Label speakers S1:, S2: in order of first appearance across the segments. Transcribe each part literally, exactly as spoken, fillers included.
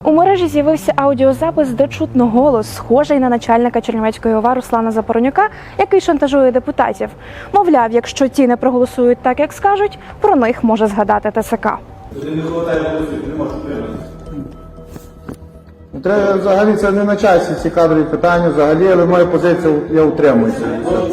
S1: У мережі з'явився аудіозапис, де чутно голос, схожий на начальника Чернівецької ОВА Руслана Запоронюка, який шантажує депутатів. Мовляв, якщо ті не проголосують так, як скажуть, про них може згадати ТСК.
S2: Туди не хватає голосів, не можеш утриматися.
S3: Треба, взагалі це не на часі ці кадрові питання, взагалі, але моя позиція, я утримуюся.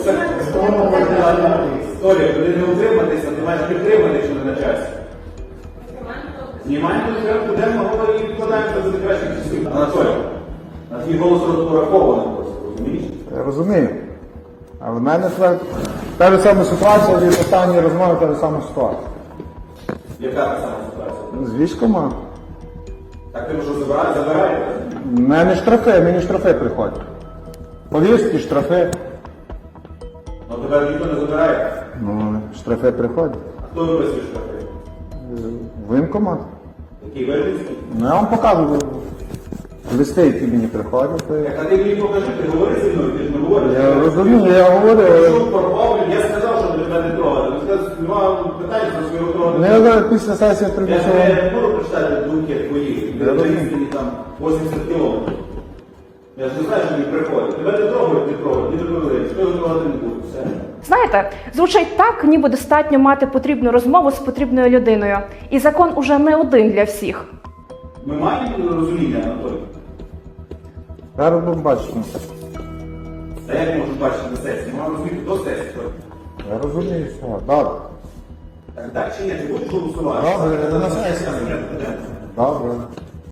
S2: Історія, коли не утриматися, ти маєш підтримати, якщо не на часі. Знімаємо порядку денного і відкладаємо це за кращих часів. Анатолій, на твій голос розрахований просто, розумієш?
S3: Я розумію. Але в мене тепер та ж сама ситуація, від останньої розмови та ж сама ситуація.
S2: Яка та сама ситуація?
S3: З військома.
S2: Так ти що забираєш? Забираєте?
S3: В мене штрафи, мені штрафи приходять. Повістки, штрафи.
S2: Ну тебе ніхто не забирає.
S3: Ну, штрафи приходять.
S2: А хто виписує штрафи?
S3: Воєнкомат.
S2: Який Вельницький?
S3: Ну, я вам показую листи, які мені приходять.
S2: Так, а ти мені покажи, ти говори зі мною, ти ж не говориш.
S3: Я розумію, я говорю, але...
S2: Що порвав, я сказав, що тебе не трогати. Ти сказав, нема питань про свого трогати.
S3: Не, я після сесії
S2: Я
S3: примусово.
S2: ж не буду прочитати думки твої.
S3: Я розумію.
S2: Мені там вісімдесят кілометрів. Я ж не знаю, що мені приходить. Тебе не трогають, не трогають, не договорились. Хто його трогати не буде. Все.
S1: Знаєте, звучить так, ніби достатньо мати потрібну розмову з потрібною людиною. І закон уже не один для всіх.
S2: Ми маємо розуміння, Анатолій?
S3: Зараз будемо бачити.
S2: Та як можеш бачити на сесії? Ми маємо розуміти до сесії.
S3: Я розумію, все. Добре.
S2: Так, так чи ні? Ти будеш голосувати?
S3: Добре,
S2: Та на сесії.
S3: Добре.